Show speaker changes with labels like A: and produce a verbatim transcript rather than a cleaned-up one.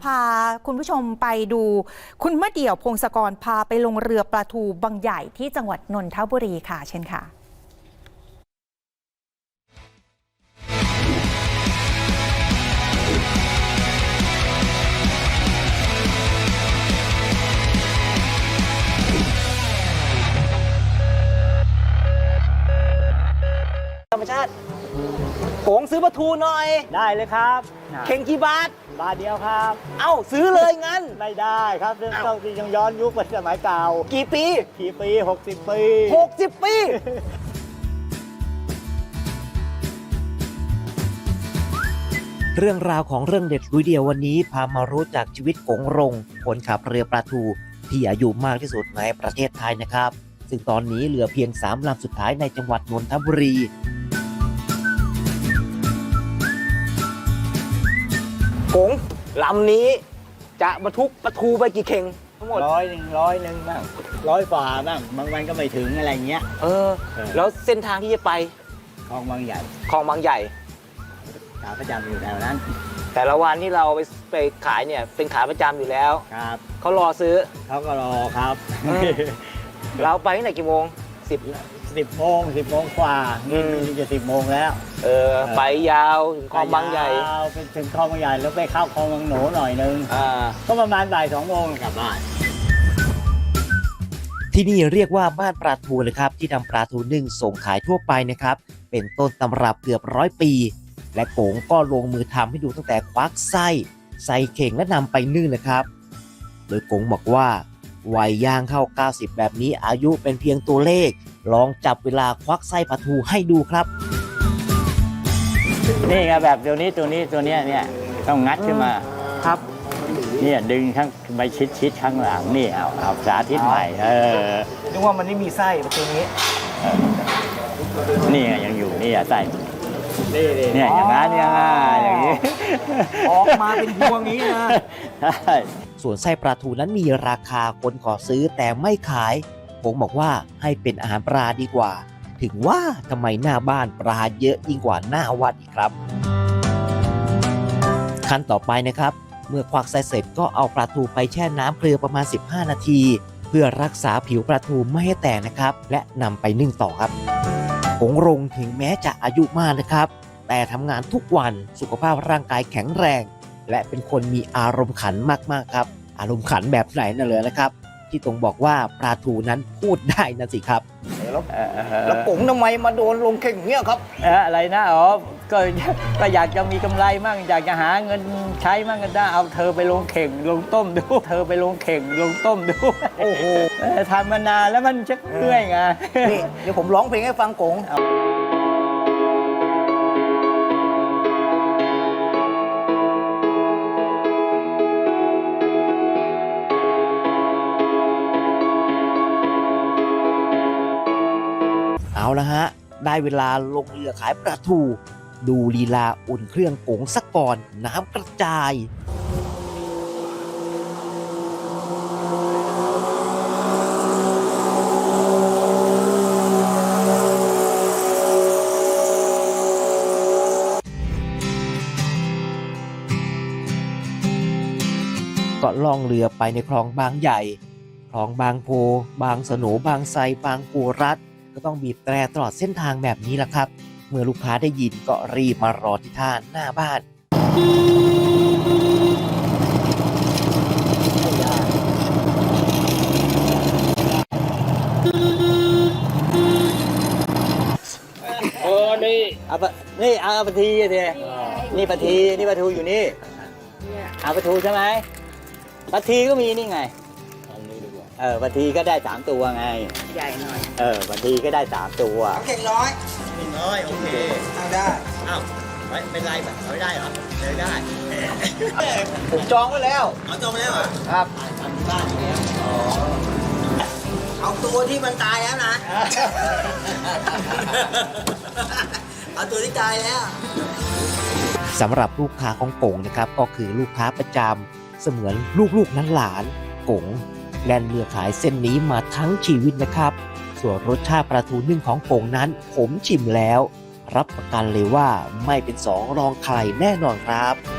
A: าคุณผู้ชมไปดูคุณมะเดี่ยวพงศกรพาไปลงเรือปลาทูบางใหญ่ที่จังหวัดนนทบุรีค่ะเช่นค่ะ
B: ธรรมชาติโกงซื้อปลาทูหน่อยได้เลยครับเข่งกี่บาทบาทเดียวครับเอ้าซื้อเลยงั้นไม่ได้ครับเรื่องต้องยังย้อนยุคไปสมัยเก่ากี่ปีกี่ปีหกสิบปีหกสิบปี
C: เรื่องราวของเรื่องเด็ดลุยเดียววันนี้พามารู้จักชีวิตกงรงคนขับเรือปลาทูที่อายุมากที่สุดในประเทศไทยนะครับซึ่งตอนนี้เหลือเพียงสามลำสุดท้ายในจังหวัดนนทบุรี
B: กงลำนี้จะบรรทุกปลาทูไปกี่เข่งทั้งหมด
D: ร้อยหนึ่งร้อยหนึ่งบ้างร้อยฝ่าบ้างบางวันก็ไม่ถึงอะไรเงี้ย
B: เออแล้วเส้นทางที่จะไป
D: คลองบางใหญ่
B: คลองบางใหญ่
D: ขาประจำอยู่แถวนั้น
B: แต่ละวันที่เราไปไปขายเนี่ยเป็นขาประจำอยู่แล้ว
D: ครับ
B: เขารอซื้อ
D: เขาก็รอครับ
B: เราไปตั้งแต่กี่โมงสิบ
D: สิบโมงสิบโมงกว่านี่จะสิบโมงแล้ว
B: เออไปยาวถึงคลองบางใหญ่
D: เป็นถึงคลองบางใหญ่แล้วไปเข้าคลองบางหนูหน่อยนึง
B: อ่า
D: ก็ประมาณบ่ายสองโมงกลับบ้าน
C: ที่นี่เรียกว่าบ้านปลาทูเลยครับที่นำปลาทูนึ่งส่งขายทั่วไปนะครับเป็นต้นตำรับเกือบร้อยปีและโกงก็ลงมือทำให้ดูตั้งแต่ควักไส้ใส่เข่งและนำไปนึ่งนะครับโดยโกงบอกว่าวัยย่างเข้าเก้าสิบแบบนี้อายุเป็นเพียงตัวเลขลองจับเวลาควักไส้ปลาทูให้ดูครับ
D: นี่ไงแบบตัวนี้ตัวนี้ตัวนี้เนี่ยต้องงัดขึ้นมา
B: ครับ
D: เนี่ยดึงข้างไปชิดชิดข้างหลังนี่เอาเอาสาธิตใหม่เออ
B: นึกว่ามันไม่มีไส้ประตูนี้
D: นี่ไงยังอยู่นี่อะไส้เนี่ยอย่างนั้นเนี่ยอย่างนี้
B: ออกมาเป็นพวงนี้นะ
C: ส่วนไส้ปลาทูนั้นมีราคาคนขอซื้อแต่ไม่ขายผมบอกว่าให้เป็นอาหารปลาดีกว่าถึงว่าทำไมหน้าบ้านปลาเยอะยิ่งกว่าหน้าวัดอีกครับขั้นต่อไปนะครับเมื่อควักไส้เสร็จก็เอาปลาทูไปแช่น้ำเกลือประมาณสิบห้านาทีเพื่อรักษาผิวปลาทูไม่ให้แตกนะครับและนำไปนึ่งต่อครับกงรงถึงแม้จะอายุมากนะครับแต่ทำงานทุกวันสุขภาพร่างกายแข็งแรงและเป็นคนมีอารมณ์ขันมากๆครับอารมณ์ขันแบบไหนนั่นเลยนะครับที่ตรงบอกว่าปลาทูนั้นพูดได้นะสิครับ
B: แล้วแล้วผมทำไมมาโดนลงเข่งเงี้ยครับ
D: อะไรนะอ๋อก็ก็อยากจะมีกำไรมั่งอยากจะหาเงินใช้มั่งก็ได้เอาเธอไปลงเข่งลงต้มดูเธอไปลงเข่งลงต้มดู
B: โอ้โห
D: ทำมานานแล้วมันชักเมื่อยไง
B: นี่เดี๋ยวผมร้องเพลงให้ฟังกง
C: เอาละฮะได้เวลาลงเรือขายปลาทูดูลีลาอุ่นเครื่องโกงสักก่อนน้ำกระจายก็ล่องเรือไปในคลองบางใหญ่คลองบางโพบางสนูบางไทรบางปูรัดก็ต้องบีบแตรตลอดเส้นทางแบบนี้แหละครับเมื่อลูกค้าได้ยินก็รีบมารอที่ท่าหน้าบ้าน
D: โอ้นี่เอาปะนี่เอาปลาทีเถอะนี่ปลาทีนี่ปลาทูอยู่นี่เอาปลาทูใช่ไหมปลาทีก็มีนี่ไงเออปลาทีก็ได้สามตัวไง
B: ใหญ่หน่อย
D: เออปลาทีก็ได้สามตัว
B: เข่งร้อยเข่งร้อยโอเคเอาได้
D: อ้าวไม่เป็นไรแบบไม่ได้เหรอไม่ได้
B: ผมจองไว้แล้ว
D: เอาจองไว้แล้วเหรอ
B: ครับ
D: ทำบ้านอย่างเงี้ยอ๋อ
B: เอาตัวที่มันตายแล้วนะเอาตัวที่ตายแล้ว
C: สำหรับลูกค้าของกงนะครับก็คือลูกค้าประจำเสมือนลูกๆนั้นหลานกงแล่นเรือขายเส้นนี้มาทั้งชีวิตนะครับส่วนรสชาติปลาทูนึ่งของกงนั้นผมชิมแล้วรับประกันเลยว่าไม่เป็นสองรองใครแน่นอนครับ